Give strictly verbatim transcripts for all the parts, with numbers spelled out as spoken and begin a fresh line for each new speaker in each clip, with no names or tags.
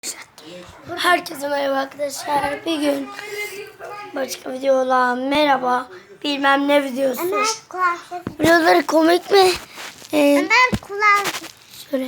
Herkese merhaba arkadaşlar. Bir gün başka videolar merhaba bilmem ne videosu.
Ömer kulağım.
Videoları komik mi? Ee,
Ömer kulağım.
şöyle.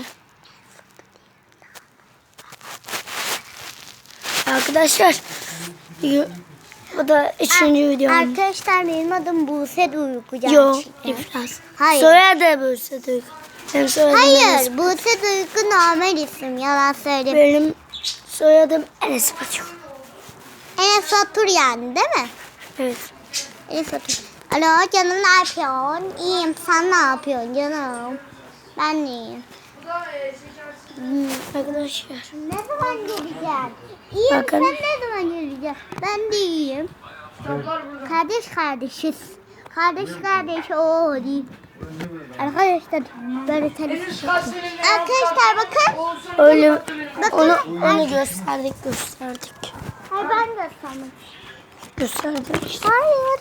Arkadaşlar bu da üçüncü videom.
Arkadaşlar benim adım Buse Duygu.
Yok,
gerçekten.
iflas.
Hayır.
Soyadı Buse Duygu. Benim soyadım
Hayır,
Enes.
Buse Duygu normal isim. Yalan söyleyeyim.
Benim soyadım Enes Batur.
Enes Batur yani değil mi?
Evet.
Enes Batur. Alo canım, ne yapıyorsun? İyiyim, sen ne yapıyorsun canım? Ben de iyiyim. Hmm.
Arkadaşlar.
Ne zaman geleceğim? İyiyim,
Bakın.
sen ne zaman geleceksin? Ben de iyiyim. Kardeş kardeşiz. Kardeş kardeş o değil. Arkadaşlar böyle tanıştık. Arkadaşlar bakın.
Öyle
Bakın.
onu onu gösterdik gösterdik.
Hayır, ben göstermek.
Gösterdik işte.
Hayır.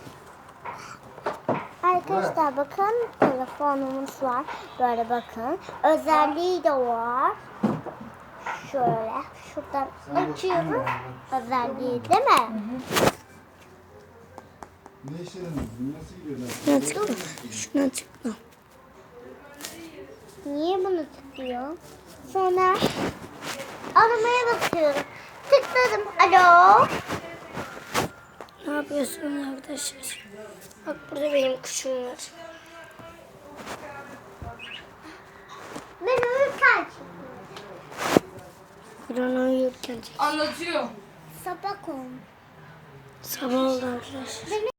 Arkadaşlar bakın, telefonumuz var. Böyle bakın. Özelliği de var. Şöyle şuradan açıyorum. Özelliği değil mi?
Ne işe yaradın? Nasıl gidiyorlar?
Şuna tıkla. Şuna tıkla.
Niye bunu tıklıyor? Sonra aramaya basıyorum. Tıkladım. Alo.
Ne yapıyorsunuz arkadaşlar? Bak burada benim kuşum var.
Ben uyurken
Kur'an uyurken
Anlatıyor.
sabah olmuş.
sabah oldu arkadaşlar.